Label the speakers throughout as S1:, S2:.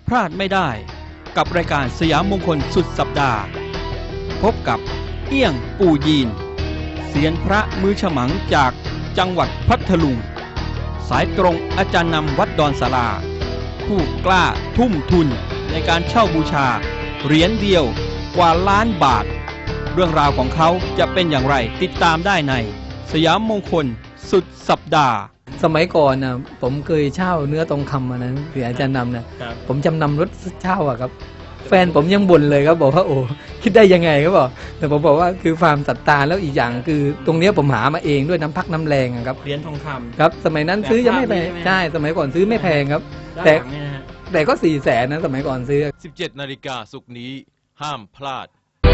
S1: พลาดไม่ได้กับรายการสยามมงคลสุดสัปดาห์พบกับเอี้ยงปู่ยีนเซียนพระมือฉมังจากจังหวัดพัทลุงสายตรงอาจารย์นำวัดดอนศาลาผู้กล้าทุ่มทุนในการเช่าบูชาเหรียญเดียวกว่าล้านบาทเรื่องราวของเขาจะเป็นอย่างไรติดตามได้ในสยามมงคลสุดสัปดาห์
S2: สมัยก่อนนะผมเคยเช่าเนื้อทองคำมานั้นคืออาจารย์นำนะผมจำนำรถเช่าอะครับแฟนผมยังบ่นเลยครับบอกว่าโอ้คิดได้ยังไงครับบอกแต่ผมบอกว่าคือความศรัทธาแล้วอีกอย่างคือตรงนี้ผมหามาเองด้วยน้ำพักน้ำแรงครับ
S1: เหรียญทองคำ
S2: ครับสมัยนั้นซื้อยังไม่แพงใช่สมัยก่อนซื้อไม่แพงครับแต่ก็400,000นะสมัยก่อนซื้อ
S3: 17 นาฬิกาศุกร์นี้ห้ามพลาด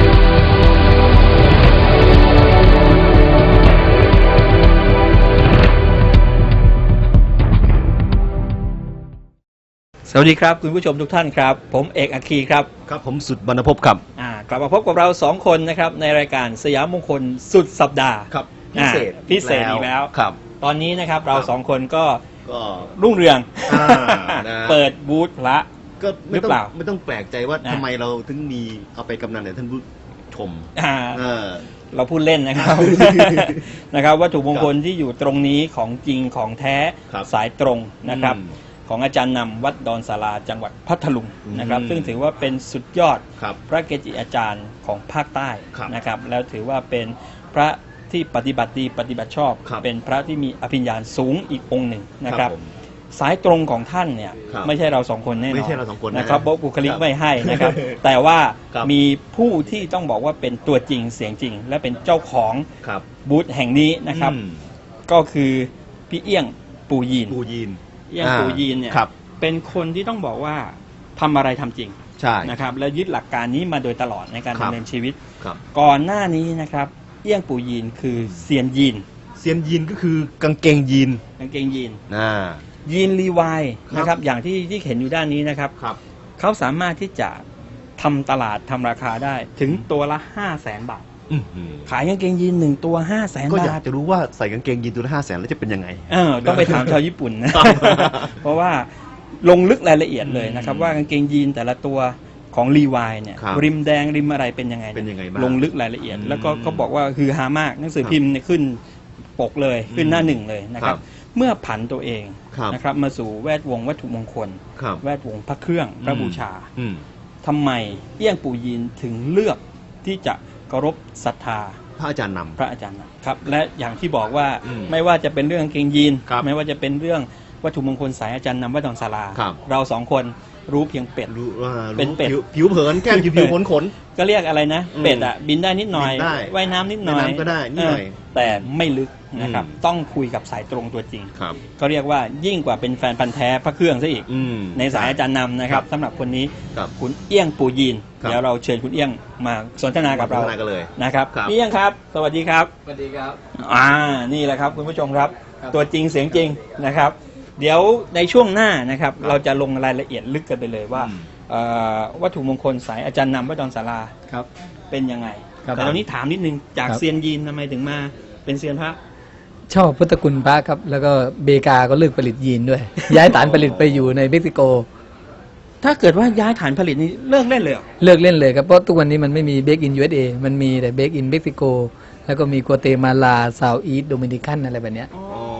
S1: สวัสดีครับคุณผู้ชมทุกท่านครับผมเอกอัคคีครับ
S3: ครับผมสุดบรรณภพครับ
S1: กลับมาพบกับเรา2คนนะครับในรายการสยามมงคลสุดสัปดาห์
S3: ครับ
S1: พิเศษอีกแล้ว
S3: ครับ
S1: ตอนนี้นะครับเรา2คนก็รุ่งเรืองเปิดบูธพระ
S3: ก็ไม่ต้องแปลกใจว่าทำไมเราถึงมีเอาไปกำนันเนี่ยท่านผู้ชม
S1: เราพูดเล่นนะครับ นะครับวัตถุมงคลที่อยู่ตรงนี้ของจริงของแท้สายตรงนะครับของอาจารย์นำวัดดอนศาลาจังหวัดพัทลุงนะครับซึ่งถือว่าเป็นสุดยอดพระเกจิอาจารย์ของภาคใต้นะครับแล้วถือว่าเป็นพระที่ปฏิบัติดีปฏิบัติชอบเป็นพระที่มีอภิญญาสูงอีกองค์หนึ่งนะครับสายตรงของท่านเนี่ยไม่ใช่เรา2คนแน่นอนนะครับบุคลิกไม่ให้นะครับแต่ว่ามีผู้ที่ต้องบอกว่าเป็นตัวจริงเสียงจริงและเป็นเจ้าของบูธแห่งนี้นะครับก็คือพี่เอี้ยงปู่ยีนเอี้ยงปู่ยีนเนี่ยเป็นคนที่ต้องบอกว่าทำอะไรทำจริงนะครับและยึดหลักการนี้มาโดยตลอดในการดำเนินชีวิตก่อนหน้านี้นะครับเอี้ยงปู่ยีนคือเซียนยีน
S3: ก็คือกางเกงยีน
S1: ยีนรีวายนะครับอย่างที่เห็นอยู่ด้านนี้นะครับเขาสามารถที่จะทำตลาดทำราคาได้ถึงตัวละ 500,000 บาทขายกางเกงยีน1ตัว500,000 บาท
S3: ก็อยากจะรู้ว่าใส่กางเกงยีนตัวละ500,000แล้วจะเป็นยังไง
S1: ต้องไปถามชาวญี่ปุ่นนะ เพราะว่าลงลึกรายละเอียดเลยนะครับว่ากางเกงยีนแต่ละตัวของรีวายเนี่ยริมแดงริมอะไรเป็นยังไงลงลึกรายละเอียดแล้วก็เขาบอกว่าคือฮามากหนังสือพิมพ์เนี่ยขึ้นปกเลยขึ้นหน้า1เลยนะครับเมื่อผันตัวเองนะครับมาสู่แวดวงวัตถุมงคลแวดวงพระเครื่องพระบูชาทำไมเอี้ยงปู่ยีนถึงเลือกที่จะเคารพศรัทธา
S3: พระอาจารย์นำ
S1: ครับและอย่างที่บอกว่าไม่ว่าจะเป็นเรื่องกางเกงยีนไม่ว่าจะเป็นเรื่องวัตถุมงคลสายอาจารย์นำวัดดอนศาลาเรา2คนรู้เพียงเป็ด
S3: เป็นเป็ดผิวเผินแค่ผิวขน
S1: ก็เรียกอะไรนะเป็ดอ่ะบินได้นิดหน่อยว่ายน้ำนิดหน่อย
S3: ก็ได้นิดหน่อย
S1: แต่ไม่ลึกนะครับต้องคุยกับสายตรงตัวจริงก็เรียกว่ายิ่งกว่าเป็นแฟนพันธุ์แท้พระเครื่องซะอีกในสายอาจารย์นำนะครับสำหรับคนนี้คุณเอี้ยงปู่ยีนเดี๋ยวเราเชิญคุณเอี้ยงมาสนทนากับเรานะครับพี่เอี้ยงครับสวัสดีครับ
S2: สวัสดีครับ
S1: นี่แหละครับคุณผู้ชมครับตัวจริงเสียงจริงนะครับเดี๋ยวในช่วงหน้านะครับเราจะลงรายละเอียดลึกกันไปเลยว่าวัตถุมงคลสายอาจารย์นำวัดดอนศาลาเป็นยังไงแต่ตอนนี้ถามนิดนึงจากเซียนยีนทำไมถึงมาเป็นเซียนพระ
S2: ชอบพุทธคุณพระครับแล้วก็เบกาก็เลิกผลิตยีนด้วย ย้ายฐานผลิตไปอยู่ในเม็กซิโก
S1: ถ้าเกิดว่าย้ายฐานผลิตนี้เลิกเล่นเลย
S2: เลิกเล่นเลยครับเพราะทุกวันนี้มันไม่มีเบกอิน USA มันมีแต่เบกอินเม็กซิโกแล้วก็มีกัวเตมาลาซาวอีสต์โดมินิกันอะไรแบบเนี้ย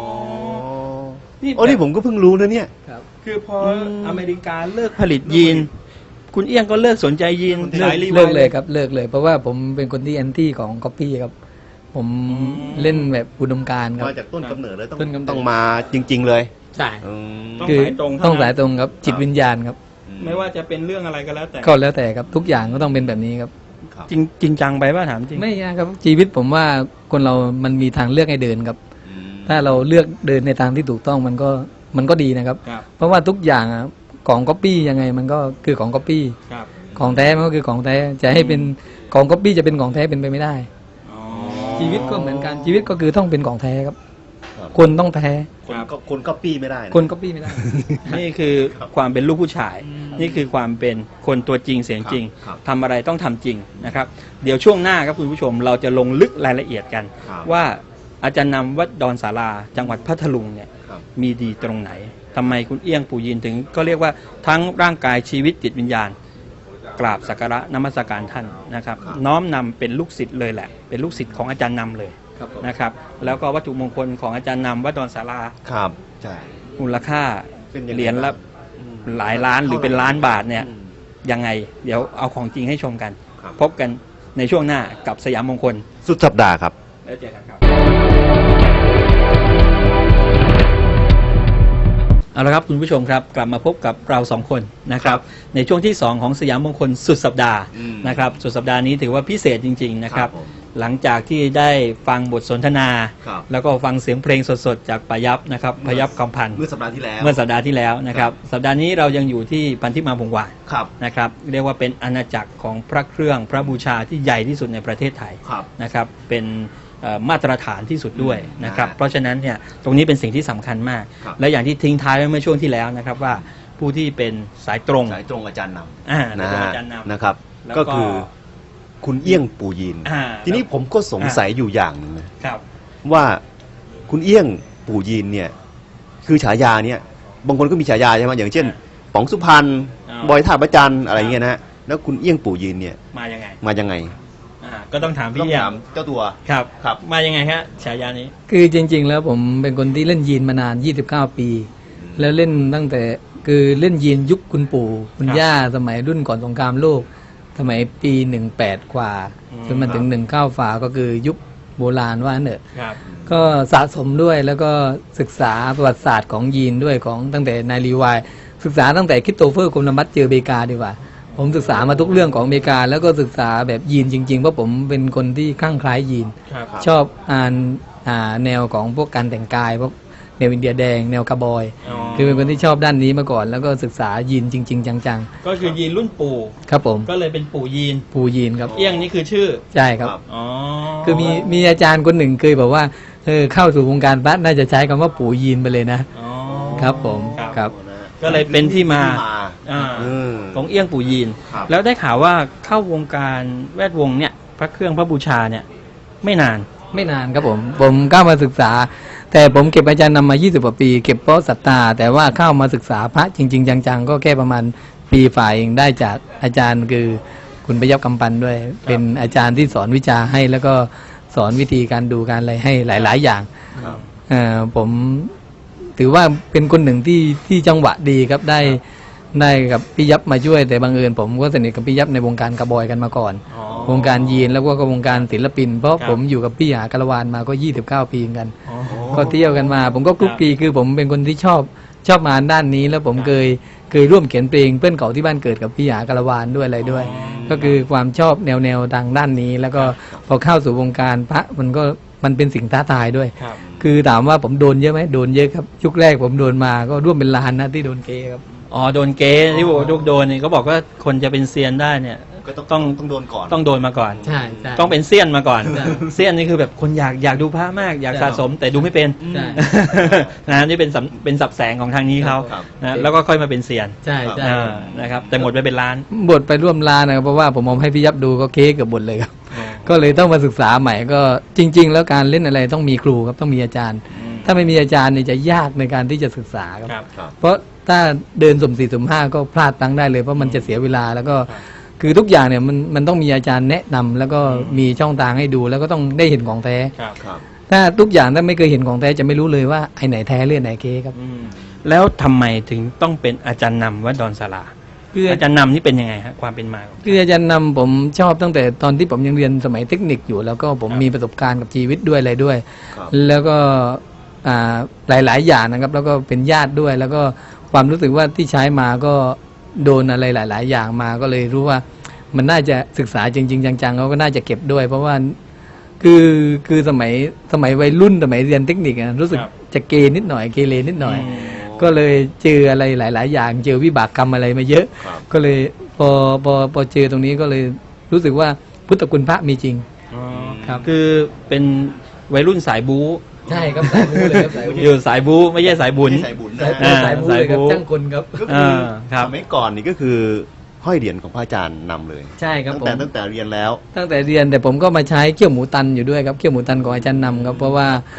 S3: นี่ผมก็เพิ่งรู้นะเนี่ย
S1: คือพออเมริกาเลิกผลิตยีนคุณเอี้ยงก็เลิกสนใจยีน
S2: สายรีวายเลยครับเลิกเลยเพราะว่าผมเป็นคนที่แอนตี้ของก๊อปปี้ครับผมเล่นแบบอุดมการณ์ครับ
S3: มาจากต้นกำเนิดเลยต้องมาจริงๆเลย
S2: ใช่คือต้องสายตรงครับจิตวิญญาณครับ
S1: ไม่ว่าจะเป็นเรื่องอะไรก็แล้วแต่
S2: ครับทุกอย่างก็ต้องเป็นแบบนี้ครับ
S1: จริงจังไปป่ะถามจริง
S2: ไม่ครับชีวิตผมว่าคนเรามันมีทางเลือกให้เดินครับถ้าเราเลือกเดินในทางที่ถูกต้องมันก็ดีนะครับเพราะว่าทุกอย่างของก๊อปปี้ยังไงมันก็คือของก๊อปปี้ของแท้มันก็คือของแท้จะให้เป็นของก๊อปปี้จะเป็นของแท้เป็นไปไม่ได้ชีวิตก็เหมือนกันชีวิตก็คือต้องเป็นของแท้ครับคนต้องแท้
S3: คนก๊อปปี้ไม่ได้
S2: คนก๊อปปี้ไม่ได้
S1: นี่คือความเป็นลูกผู้ชายนี่คือความเป็นคนตัวจริงเสียงจริงทำอะไรต้องทำจริงนะครับเดี๋ยวช่วงหน้าครับคุณผู้ชมเราจะลงลึกรายละเอียดกันว่าอาจารย์นำวัดดอนศาลาจังหวัดพัทลุงเนี่ยมีดีตรงไหนทำไมคุณเอี้ยงปู่ยีนถึงก็เรียกว่าทั้งร่างกายชีวิตจิตวิญญาณกราบสักการะนมัสการท่านนะครับ น้อมนำเป็นลูกศิษย์เลยแหละเป็นลูกศิษย์ของอาจารย์นำเลยนะครับแล้วก็วัตถุมงคลของอาจารย์นำวัดดอนศาลา
S3: ครับใช่
S1: มูลค่า
S3: เป็นยังไง
S1: เหรียญละหลายล้านหรือเป็นล้านบาทเนี่ยยังไงเดี๋ยวเอาของจริงให้ชมกัน
S3: ครับ
S1: พบกันในช่วงหน้ากับสยามมงคล
S3: สุดสัปดาห์ครับ
S1: แล้วเจอกันครับเอาละครับคุณผู้ชมครับกลับมาพบกับเราสองคนนะครับในช่วงที่ 2 ของสยามมงคลสุดสัปดาห์นะครับสุดสัปดาห์นี้ถือว่าพิเศษจริงๆนะครับหลังจากที่ได้ฟังบทสนทนา แล้วก็ฟังเสียงเพลงสดๆจากปายับนะครับพยับคำพันธ์
S3: เมื่อสัปดาห์ที่แล้ว
S1: เมื่อสัปดาห์ที่แล้วนะครับสัปดาห์นี้เรายังอยู่ที่พันธิมาพงศ์วาน
S3: ครับ
S1: นะครับเรียกว่าเป็นอาณาจักรของพระเครื่องพระบูชาที่ใหญ่ที่สุดในประเทศไทย
S3: ครับ
S1: นะครับเป็นมาตรฐานที่สุดด้วยนะครับ
S3: นะฮะ
S1: เพราะฉะนั้นเนี่ยตรงนี้เป็นสิ่งที่สำคัญมาก
S3: ครับ
S1: และอย่างที่ทิ้งท้ายไว้เมื่อช่วงที่แล้วนะครับว่าผู้ที่เป็นสายตรง
S3: สายตรงอาจารย์น
S1: อ่า
S3: ำ
S1: สายตรงอาจารย์นำ
S3: นะครับ
S1: แล้ว
S3: ก็คือคุณเอี้ยงปู่ยีน
S1: อ่า
S3: ทีนี้ผมก็สงสัยอยู่อย่างหนึ่งนะ
S1: ครับ
S3: ว่าคุณเอี้ยงปู่ยีนเนี่ยคือฉายาเนี่ยบางคนก็มีฉายาใช่ไหมอย่างเช่นป๋องสุพรรณบอยท่าประจันอะไรเงี้ยนะฮะแล้วคุณเอี้ยงปู่ยีนเนี่ย
S1: มายังไง
S3: มายังไง
S1: ก็ต้องถาม
S3: ต้
S1: พี่
S3: อง
S1: เอี่ย
S3: ถาม
S1: ม
S3: เจ้าตัว
S1: ครับ
S3: ครับ
S1: มายังไงฮะฉายานี้
S2: คือจริง ๆ แล้วผมเป็นคนที่เล่นยีนมานาน 29 ปี แล้วเล่นตั้งแต่คือเล่นยีนยุคคุณปู่คุณ
S1: ครับ
S2: ย่าสมัยรุ่นก่อนสงครามโลก สมัยปี 18 กว่า จนมาถึง 19 ฝาก็คือยุคโบราณว่าเนอะ
S1: ครับ
S2: ก็สะสมด้วยแล้วก็ศึกษาประวัติศาสตร์ของยีนด้วยของตั้งแต่นายรีวายศึกษาตั้งแต่คริสโตเฟอร์โคลัมบัสเจออเมริกาดีกว่า ผมศึกษามาทุกเรื่องของอเมริกา แล้วก็ศึกษาแบบยีนจริงๆเพราะผมเป็นคนที่คลั่งไคล้ยีน
S1: ครับ
S2: ชอบแนวของพวกการแต่งกายพวกแนวอินเดียแดงแนวคาร์บอย คือเป็นคนที่ชอบด้านนี้มาก่อน แล้วก็ศึกษายีนจริง ๆ จัง
S1: ก็คือยีนรุ่นปู่
S2: ๆ ครับผม
S1: ก็เลยเป็นปู่ยีน
S2: ปูยีนครับ
S1: เอี้ยงนี่คือชื่อ
S2: ใช่ครับ
S1: อ๋อ
S2: คือมีอาจารย์คนหนึ่งเคยบอกว่าเข้าสู่วงการพระน่าจะใช้คำว่าปู่ยีนไปเลยนะ
S1: อ๋อ
S2: ครับผม
S1: ครับ ก็เลยเป็นที่มา อ่า
S3: อืม
S1: ของเอี้ยงปู่ยีน
S3: ครับ
S1: แล้วได้ข่าวว่าเข้าวงการแวดวงเนี่ยพระเครื่องพระบูชาเนี่ยไม่นาน
S2: ไม่นานครับผมเข้ามาศึกษา แต่ผมเก็บอาจารย์นำมา 20 กว่าปี เก็บเพราะศรัทธาแต่ว่าเข้ามาศึกษาพระจริง ๆ จังๆ ก็แค่ประมาณปีฝ่ายเองได้จากอาจารย์คือคุณประยับกำปันด้วย เป็นอาจารย์ที่สอนวิชาให้ แล้วก็สอนวิธีการดูการอะไรให้หลาย ๆ อย่าง
S3: ครับ
S2: ผมถือว่าเป็นคนหนึ่งที่จังหวะดีครับได้กับพี่ยับมาช่วยแต่บังเอิญผมก็สนิทกับพี่ยับในวงการกระบอยกันมาก่อน
S1: อ๋อ
S2: วงการยีนแล้วก็วงการศิลปิน เพราะ
S1: ครับ
S2: ผมอยู่กับพี่หากระวานมาก็ 29 ปีเหมือนกัน
S1: อ๋อ
S2: ก็เที่ยวกันมา ผมก็คลุกคลีคือผมเป็นคนที่ชอบงานด้านนี้ แล้วผม
S1: ครับ
S2: เคยร่วมเขียนเพลงเพื่อนเก่าที่บ้านเกิดกับพี่หากระวานด้วยอะไรด้วย
S1: อ๋อ
S2: ก็คือความชอบแนวทางด้านนี้ แล้วก็พอเข้าสู่วงการพระมันเป็นสิ่งท้าทายด้วย
S1: ครับ
S2: คือถามว่าผมโดนเยอะไหมโดนเยอะครับยุคแรกผมโดนมาก็ร่วมเป็นล้านนะที่โดนเกย์ครับ
S1: อ๋อโดนเกย์ที่บอกว่าโดนเนี่ยเขาบอกว่าคนจะเป็นเซียนได้เนี่ย
S3: ก็
S1: ต้อง
S3: ต้องโดนก่อน
S1: ต้องโดนมาก่อน
S2: ใช่
S1: ต้องเป็นเซียนมาก่อน
S2: ใช่
S1: เซียนนี่คือแบบคนอยากดูพระมากอยาก
S2: ใช่
S1: สะสมแต่ดูไม่เป็น
S2: ใช่
S1: นะนี่เป็นสับแสงของทางนี้เขา
S3: ครับ
S1: นะแล้วก็ค่อยมาเป็นเซียน
S2: ใช่
S1: นะครับแต่หมดไปเป็นล้าน
S2: บทไปร่วมล้านนะครับเพราะว่าผมเอาให้พี่ยับดูก็เค้กกับบทเลยครับ ก็เลยต้องมาศึกษาใหม่ก็จริง ๆ แล้วการเล่นอะไรต้องมีครูครับต้องมีอาจารย์ ถ้าไม่มีอาจารย์เนี่ยจะยากในการที่จะศึกษาครับ
S1: ครับ
S3: ครับ
S2: เพราะถ้าเดินสุ่มสี่สุ่มห้าก็พลาดตั้งได้เลยเพราะมันจะเสียเวลาแล้วก็คือทุกอย่างเนี่ยมันต้องมีอาจารย์แนะนำแล้วก็มีช่องทางให้ดูแล้วก็ต้องได้เห็นของแท้
S1: ครับ
S3: ครับ
S2: ถ้าทุกอย่างถ้าไม่เคยเห็นของแท้จะไม่รู้เลยว่าไอ้ไหนแท้หรือไอ้ไหนเก๊ครับ
S1: แล้วทำไมถึงต้องเป็นอาจารย์นำวัดดอนศาลา
S2: คือ
S1: อาจารย์นำนี่เป็นยังไงฮะความเป็นมาของ
S2: คืออาจารย์นำผมชอบตั้งแต่ตอนที่ผมยังเรียนสมัยเทคนิคอยู่ แล้วก็ผม
S1: ครับ
S2: มีประสบการณ์กับชีวิตด้วยอะไรด้วย
S3: ครับ
S2: แล้วก็หลาย ๆ อย่างนะครับ แล้วก็เป็นญาติด้วย แล้วก็ความรู้สึกว่าที่ใช้มาก็โดนอะไรหลาย ๆ อย่างมาก็เลยรู้ว่ามันน่าจะศึกษาจริง ๆ จัง ๆ เขาก็น่าจะเก็บด้วย เพราะว่าคือสมัยวัยรุ่นสมัยเรียนเทคนิครู้สึกจะเกนิดหน่อยเกเรนิดหน่อย ก็เลยเจออะไรหลาย ๆ อย่างเจอวิบากกรรมอะไรมาเยอะ
S3: ครับ
S2: ก็เลยพอเจอตรงนี้ก็เลยรู้สึกว่าพุทธคุณพระมีจริง ครับ
S1: คือเป็นวัยรุ่นสายบู๊
S2: ใช่ครับสายบูเลยครับสายบู
S1: อยู่สายบู๊ไม่ใช่สายบุญ
S3: ไม่ใช่สายบุญนะ
S2: สาย
S3: ฮะ
S2: บูเลยครับ
S1: สายบู
S2: จ้างคนครับ
S3: ก็คือ
S1: ครับ
S3: สมัยก่อนนี่ก็คือห้อยเหรียญของพระอาจารย์นำเลย
S2: ใช่ครับ
S3: ตั้งแต่เรียนแล้ว
S2: ตั้งแต่เรียนแต่ผมก็มาใช้เขี้ยวหมูตันอยู่ด้วยครับเขี้ยวหมูตันของอาจารย์นำครับเพราะว่า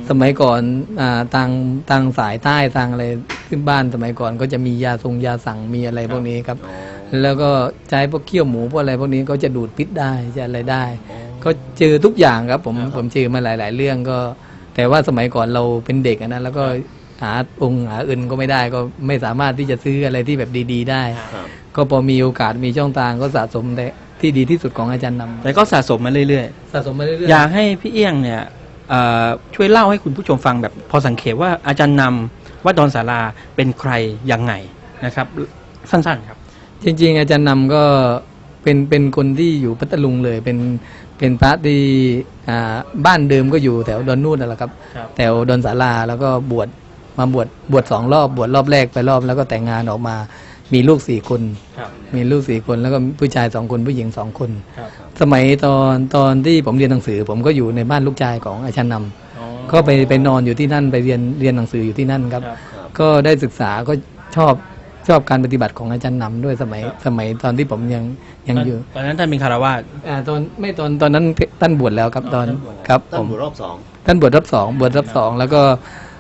S2: สมัยก่อนทางสายใต้ทางอะไรขึ้นบ้านสมัยก่อนก็จะมียาสั่งมีอะไรพวกนี้ครับ แล้วก็ใช้พวกเคี่ยวหมูพวกอะไรพวกนี้ก็จะดูดพิษได้จะอะไรได้ ก็เจอทุกอย่างครับผมเจอมาหลาย ๆ เรื่องก็ แต่ว่าสมัยก่อนเราเป็นเด็กนะแล้วก็หาอื่นก็ไม่ได้ก็ไม่สามารถที่จะซื้ออะไรที่แบบดีๆ ได้ ก็พอมีโอกาสมีช่องทางก็สะสมแต่ที่ดีที่สุดของอาจารย์นำ
S1: แต่ก็สะสมมาเรื่อย
S2: สะสมมาเรื่อย
S1: ๆ อยากให้พี่เอี้ยงเนี่ยช่วยเล่าให้คุณผู้ชมฟังแบบพอสังเขปว่าอาจารย์นำวัดดอนศาลาเป็นใครยังไงนะครับ สั้นๆครับ
S2: จริงๆอาจารย์นำก็เป็นคนที่อยู่พัทลุงเลยเป็นพระที่บ้านเดิมก็อยู่แถวดอนนูนนั่นแหละครับ
S1: ครับ
S2: แถวดอนศาลาแล้วก็บวช2 รอบบวชรอบแรกไปรอบแล้วก็แต่งงานออกมามีลูก4 คน
S1: ครับ
S2: มีลูก4 คนแล้วก็ผู้ชาย2 คนผู้หญิง2 คน
S1: ครับ
S2: สมัยตอนที่ผมเรียนหนังสือ ผมก็อยู่ในบ้านลูกชายของอาจารย์นำ
S1: อ๋อ
S2: ก็ไปนอนอยู่ที่นั่นไปเรียนหนังสืออยู่ที่นั่นครับ
S1: ครับ
S2: ก็ได้ศึกษาก็ชอบการปฏิบัติของอาจารย์นำด้วยสมัยตอนที่ผมยังอยู่
S1: ตอนนั้นท่านเป็นคารวาส
S2: ตอนนั้นท่านบวชแล้วครับตอน
S1: ท่านบวชแล้ว
S2: ครับ
S3: ตั้
S2: ผ
S3: ง
S2: ม
S3: บวชรอบ 2
S2: ท่านบวชรอบสองแล้วก็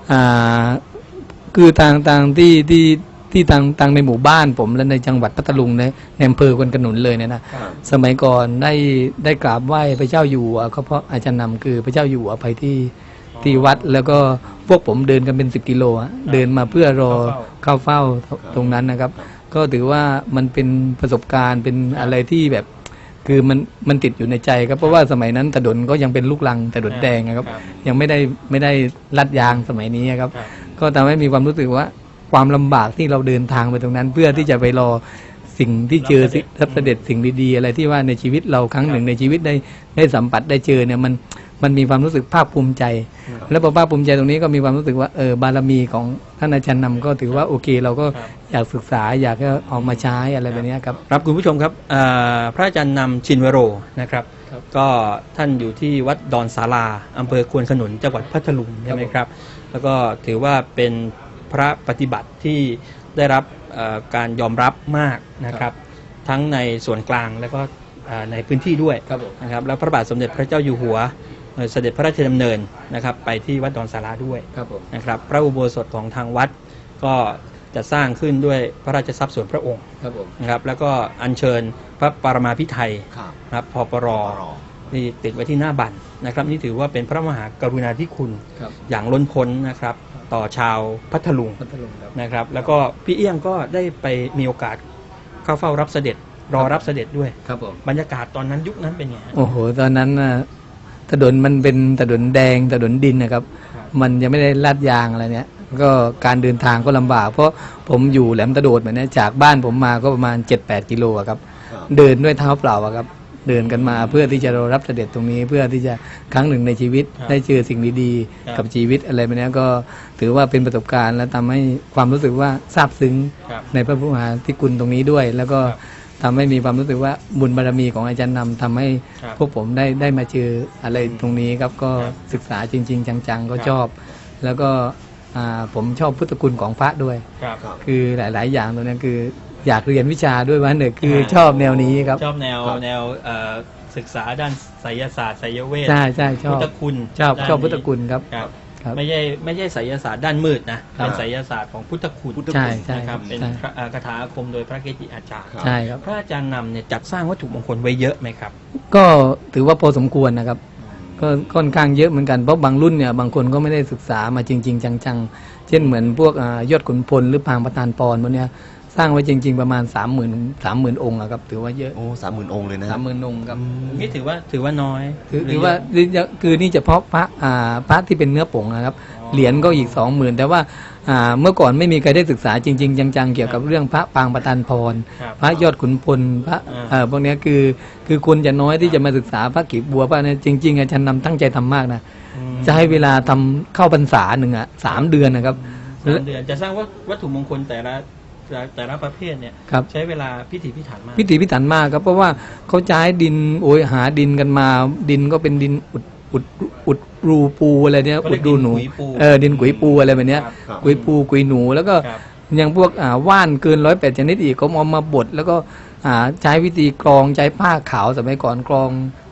S2: คือทางที่ทางในหมู่บ้านผมและในจังหวัดพัทลุงในอำเภอควนขนุนเลยเนี่ยนะ สมัยก่อนได้กราบไหว้พระเจ้าอยู่หัวก็เพราะอาจารย์นำคือพระเจ้าอยู่หัวไปที่วัด แล้วก็พวกผมเดินกันเป็น10 กิโลเดินมาเพื่อรอเข้าเฝ้าตรงนั้นนะครับ ก็ถือว่ามันเป็นประสบการณ์เป็นอะไรที่แบบคือมันติดอยู่ในใจครับเพราะว่าสมัยนั้นถนนก็ยังเป็นลูกรังถนนแดงนะครับ ยังไม่ได้ลัดยางสมัยนี้ครับ ก็ทำให้มีความรู้สึกว่าความลำบากที่เราเดินทางไปตรงนั้น เพื่อที่จะไปรอสิ่งที่เจอรับเสด็จสิ่งดีๆอะไรที่ว่าในชีวิตเราครั้งหนึ่งในชีวิตได้สัมผัสได้เจอเนี่ยมันมีความรู้สึกภาคภูมิใจ แล้วพอภาคภูมิใจตรงนี้ก็มีความรู้สึกว่าบารมีของท่านอาจารย์นำก็ถือว่าโอเคเราก็อยากศึกษาอยากจะเอามาใช้อะไรแบบนี้ครับ
S1: ครับคุณผู้ชมครับพระอาจารย์นำชินวโรนะครับ ก็ท่านอยู่ที่วัดดอนศาลาอำเภอควนขนุนจังหวัดพัทลุงใช่ไหมครับ แล้วก็ถือว่าเป็นพระปฏิบัติที่ได้รับการยอมรับมากนะครับ ทั้งในส่วนกลางและก็ในพื้นที่ด้วย
S2: ครับผม
S1: นะครับแล้วพระบาทสมเด็จพระเจ้าอยู่หัวเสด็จพระราชดำเนินนะครับไปที่วัดดอนศาลาด้วย
S2: ครับผม
S1: นะครับพระอุโบสถของทางวัดก็จะสร้างขึ้นด้วยพระราชทรัพย์ส่วนพระองค์
S2: ครับผม
S1: นะครับแล้วก็อัญเชิญพระปรมาภิไธย
S3: ครับ
S1: นะครับพปรนี่ติดไว้ที่หน้าบัตรนะครับนี่ถือว่าเป็นพระมหากรุณาธิคุณ
S2: ครับ
S1: อย่างล้นพ้นนะครับต่อชาวพัทลุง
S2: พัทลุงครับ
S1: นะครับแล้วก็พี่เอี้ยงก็ได้ไปมีโอกาสเข้าเฝ้ารับเสด็จรอรับเสด็จด้วย
S2: ครับผม
S1: บรรยากาศตอนนั้นยุคนั้นเป็นไงฮะ
S2: โอ้โหตอนนั้นน่ะถนนมันเป็นถนนแดงถนนดินนะครับ
S1: ครับ
S2: มันยังไม่ได้ลาดยางอะไรเนี่ยก็การเดินทางก็ลำบาก เพราะผมอยู่แหลมตะโดดแบบนี้จากบ้านผมมาก็ประมาณ 7-8 กิโลอะครับ
S3: ครับ
S2: เดินด้วยเท้าเปล่าอะครับ เดินกันมาเพื่อที่จะรอรับเสด็จตรงนี้ เพื่อที่จะครั้งหนึ่งในชีวิต
S1: ครับ
S2: ได้เจอสิ่งดี
S1: ครับ
S2: ๆกับชีวิตอะไรแบบนี้ก็ถือว่าเป็นประสบการณ์และทำให้ความรู้สึกว่าซาบซึ้ง
S1: ครับ
S2: ในพระมหาธิคุณตรงนี้ด้วย แล้วก็
S1: ครับ
S2: ทำให้มีความรู้สึกว่าบุญบารมีของอาจารย์นำทำให้
S1: ครับ
S2: พวกผมได้มาเจออะไรตรงนี้ครับก็
S1: ครับ
S2: ศึกษาจริง ๆ จังๆ ก็
S1: ครับ
S2: ชอบ แล้วก็ผมชอบพุทธคุณของพระด้วย
S1: ครับ
S3: ครับ
S2: คือหลาย ๆ อย่างตรงนี้คืออยากเรียนวิชาด้วยว่าหนึ่งคือชอบแนวนี้ครับ
S1: ชอบแนว
S3: ครับ
S1: แนวศึกษาด้านไสยศาสตร์ไสยเวท
S2: ใช่ใช่ชอบ
S1: พุทธคุณ
S2: ชอบ
S1: ด้าน
S2: ชอบพุทธคุณครับ
S1: ครับ
S2: ครับ
S1: ไม่ใช่ไสยศาสตร์ด้านมืดนะเป็นไสยศาสตร์ของพุทธคุณ
S2: ใช่ใช่
S1: นะครับเป็น
S2: ใช่
S1: พระคาถาอาคมโดยพระเกจิอาจารย์
S2: ใช่ครับ
S1: พระอาจารย์นำเนี่ยจัดสร้างวัตถุมงคลไว้เยอะไหมครับ
S2: ก็ถือว่าพอสมควรนะครับ ก็ค่อนข้างเยอะเหมือนกันเพราะบางรุ่นเนี่ยบางคนก็ไม่ได้ศึกษามาจริง ๆ จังๆ เช่นเหมือนพวกยอดขุนพลหรือปางประธานปรพวกเนี้ยสร้างไว้จริง ๆ ประมาณ 30,000 องค์อะครับถือว่าเยอะ
S3: โอ้30,000 องค์เลยนะ
S2: 30,000 องค์ครับ
S1: นี่ถือว่าน้อย
S2: ถือว่าคือนี่เฉพาะพระที่เป็นเนื้อผงนะครับ เหรียญก็อีก 20,000 แต่ว่าเมื่อก่อนไม่มีใครได้ศึกษาจริง ๆ จังๆ เกี่ยวกับเรื่องพระปางประธานพร
S1: ครับ
S2: พระยอดขุนพลพระพวกเนี้ยคือคนจะน้อยที่จะมาศึกษาพระกีบบัวพระเนี่ยจริง ๆอาจารย์นำตั้งใจทำมากนะ
S1: อืม
S2: จะให้เวลาทำเข้าพรรษาหนึ่ง3 เดือนนะครับ
S1: 3 เดือนจะสร้างวัตถุมงคลแต่ละประเภทเนี่ย
S2: ครับ
S1: ใช้เวลาพิถีพิถันมาก
S2: พิถีพิถันมากครับเพราะว่าเขาใช้ดินหาดินกันมาดินก็เป็นดินอุดรูปูอะไรเนี่ย
S1: เขา
S2: อุ
S1: เรีย
S2: ด
S1: ก
S2: รูหนู
S1: ดินกุยปู
S2: ดินกุยปูอะไรแบบเนี้ย
S1: ครับ
S3: ครับ
S2: กุยปูกุยหนูแล้วก็
S1: ครับ
S2: อย่างพวกว่านเกิน108 ชนิดอีกเขาเอามาบดแล้วก็ใช้วิธีกรองใช้ผ้าขาวสมัยก่อนกรอง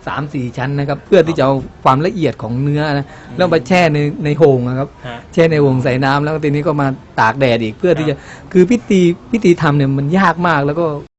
S2: 3-4 ชั้นนะครับ เพื่อที่จะเอาความละเอียดของเนื้อนะแล้วมาแช่ในโฮงนะครับ
S1: ฮะ
S2: แช่ในโฮงใส่น้ำแล้วทีนี้ก็มาตากแดดอีกเพื่อที่จะคือพิธีทำเนี่ยมันยากมากแล้วก็